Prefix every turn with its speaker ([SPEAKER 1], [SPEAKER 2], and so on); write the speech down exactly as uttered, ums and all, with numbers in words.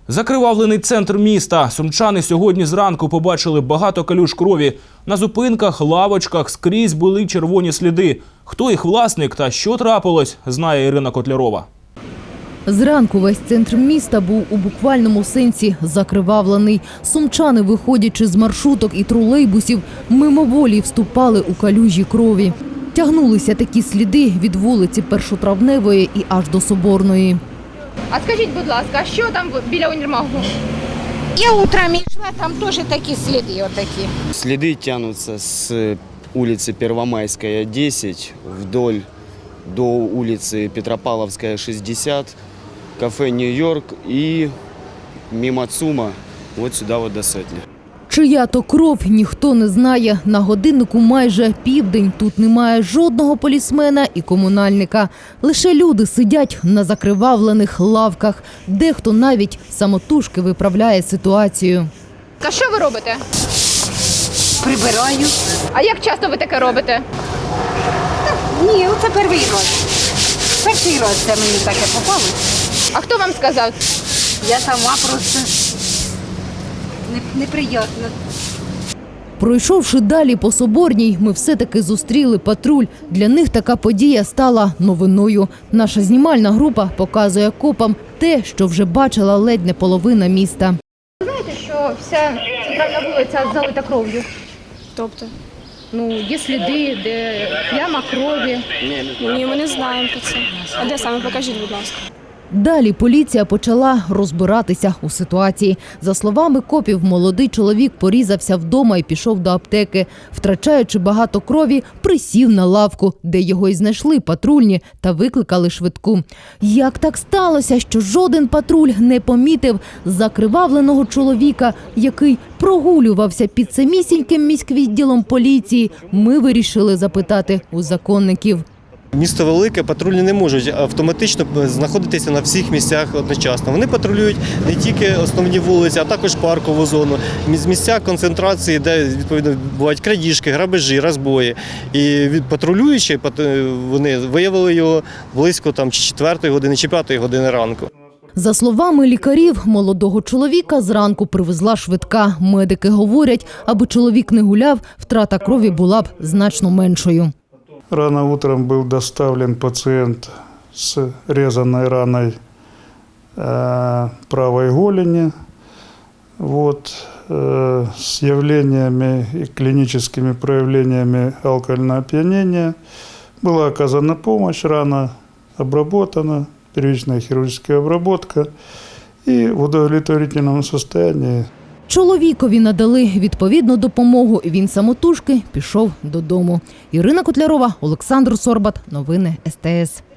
[SPEAKER 1] Закривавлений центр міста. Сумчани сьогодні зранку побачили багато калюж крові. На зупинках, лавочках скрізь були червоні сліди. Хто їх власник та що трапилось, знає Ірина Котлярова.
[SPEAKER 2] Зранку весь центр міста був у буквальному сенсі закривавлений. Сумчани, виходячи з маршруток і тролейбусів, мимоволі вступали у калюжі крові. Тягнулися такі сліди від вулиці Першотравневої і аж до Соборної.
[SPEAKER 3] А скажіть, будь ласка, що там біля універмагу?
[SPEAKER 4] Я утром йшла, там теж такі сліди отакі.
[SPEAKER 5] Следы тянутся с улицы Первомайская, десять, вдоль до улицы Петропавловская, шестьдесят, кафе «Нью-Йорк» и мимо ЦУМа вот сюда вот до Сотни.
[SPEAKER 2] Чия то кров, ніхто не знає. На годиннику майже південь. Тут немає жодного полісмена і комунальника. Лише люди сидять на закривавлених лавках. Дехто навіть самотужки виправляє ситуацію.
[SPEAKER 3] А що ви робите?
[SPEAKER 4] Прибираю.
[SPEAKER 3] А як часто ви таке робите?
[SPEAKER 4] Ні, це перший раз. Перший раз це мені таке попалося.
[SPEAKER 3] А хто вам сказав?
[SPEAKER 4] Я сама просто не- неприємно.
[SPEAKER 2] Пройшовши далі по Соборній, ми все-таки зустріли патруль. Для них така подія стала новиною. Наша знімальна група показує копам те, що вже бачила ледь не половина міста.
[SPEAKER 3] Знаєте, що вся центральна вулиця залита кров'ю?
[SPEAKER 6] Тобто?
[SPEAKER 3] Ну, є сліди, де пляма крові.
[SPEAKER 6] Ні, ми не знаємо про це. А де саме? Покажіть, будь ласка.
[SPEAKER 2] Далі поліція почала розбиратися у ситуації. За словами копів, молодий чоловік порізався вдома і пішов до аптеки. Втрачаючи багато крові, присів на лавку, де його й знайшли патрульні та викликали швидку. Як так сталося, що жоден патруль не помітив закривавленого чоловіка, який прогулювався під самісіньким міськвідділом поліції, ми вирішили запитати у законників.
[SPEAKER 7] Місто велике, патрульні не можуть автоматично знаходитися на всіх місцях одночасно. Вони патрулюють не тільки основні вулиці, а також паркову зону, місця концентрації, де відповідно бувають крадіжки, грабежі, розбої. І від патрулюючи, вони виявили його близько там чи четвертої години, чи п'ятої години ранку.
[SPEAKER 2] За словами лікарів, молодого чоловіка зранку привезла швидка. Медики говорять, аби чоловік не гуляв, втрата крові була б значно меншою.
[SPEAKER 8] Рано утром был доставлен пациент с резаной раной э, правой голени, вот, э, с явлениями и клиническими проявлениями алкогольного опьянения. Была оказана помощь, рана обработана, первичная хирургическая обработка и в удовлетворительном состоянии.
[SPEAKER 2] Чоловікові надали відповідну допомогу, і він самотужки пішов додому. Ірина Котлярова, Олександр Сорбат. Новини ес те ес.